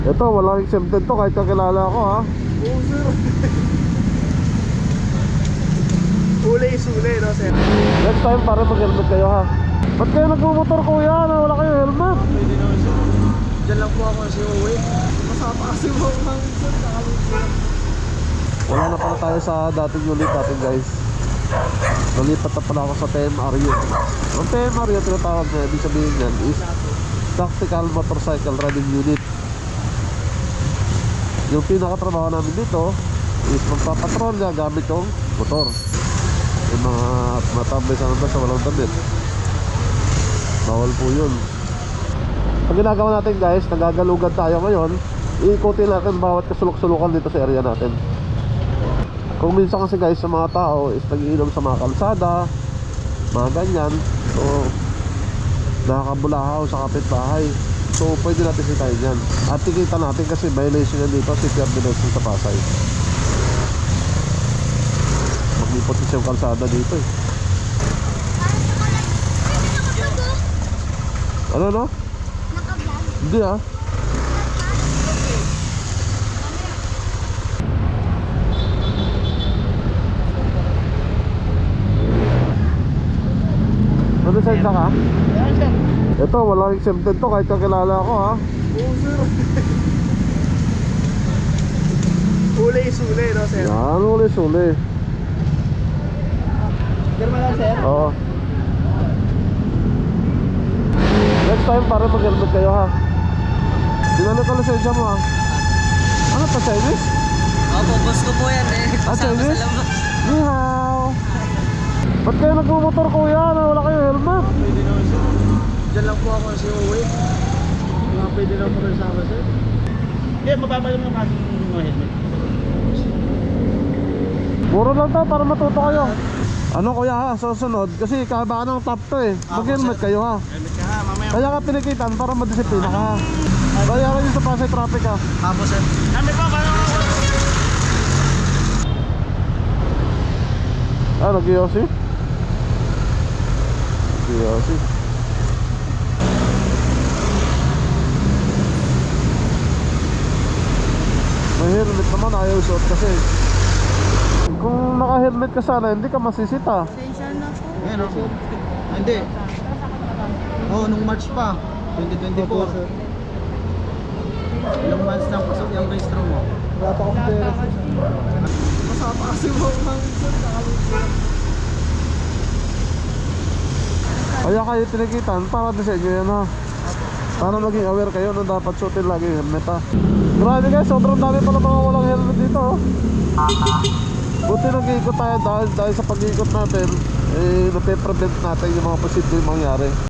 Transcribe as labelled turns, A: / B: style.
A: Ito, walang exempted to kahit kakilala ako ha.
B: Oo sir. Uli is uli no sir.
A: Next time para mag-helmet kayo ha. Ba't kayo nagmumotor kuya na wala kayo helmet?
B: Pwede naman sir. Diyan lang po ako kasi uwi. Masapa kasi mo ang sir.
A: Wala na pala tayo sa dating unit natin guys. Nalipat na pala ako sa TMRU. Ang TMRU tinatawag na, ibig sabihin yan is Tactical Motorcycle Riding Unit. Yung pinakatrabaho namin dito is magpapatrolya gamit yung motor. Yung mga matambay sa nabas sa walang damit, bawal po yun. Ang ginagawa natin guys, nagagalugad tayo ngayon. Iikutin natin bawat kasulok-sulukan dito sa area natin. Kung minsan kasi guys sa mga tao is nag-iinom sa mga kalsada, mga ganyan, so nakakabulahaw sa kapitbahay. So pwede natin sitayin yan. At tikita natin kasi violation yan dito, city ordinance sa Pasay. Maglipot kasi yung kalsada dito eh. Ano no? Hindi ah. Ano side ka?
B: Yan sir.
A: Ito, walang exempted to kahit kakilala ako ha.
B: Oo sir. Uli is uli no sir.
A: Yan, uli-suli.
B: Girma lang sir.
A: Oo. Next time para mag-helmet kayo ha. Dinala ka lisensya mo ha. Ano pa, Chinese?
C: Opo, boss ko po yan eh.
A: Ah,
C: Kasama
A: Chinese?
C: sa labas.
A: Ni hao. Ba't kayo nagmumotor kuya na wala kayo helmet?
B: Pwede naman sir. Diyan lang po ako kasi uwi. Mga pwede lang po rin sama sir. Hindi, mababa lang yung aking mga helmet.
A: Muro lang to para matuto kayo. Ano kuya ha, susunod kasi kabaan ng top to eh. Mag-helmet kayo ha.
B: Helmet ka ha, mamaya.
A: Kaya ka pinikitan para madisiplina ka ha. Kaya kayo sa Pasay traffic ha.
B: Apo sir. Helmet pa, paano?
A: Ah, nag-iossi? Nag-iossi. May helmet naman, ayaw suot kasi. Kung naka-helmet ka sana, hindi ka masisita.
B: Ayan o. Hindi. Oo, nung March pa. 2024. Ilang months na pasok yung registro mo? Wala pa akong pera. Masapa kasi mo ang sir.
A: Kaya kayo tinikitan para din sa inyo yan ha. Para maging aware kayo na dapat suotin lagi yung helmet ha. Grabe guys, sobrang dami pala mga walang helmet dito oh. Buti nag-iikot tayo dahil sa pag-iikot natin eh nape-prevent natin yung mga posibleng mangyari.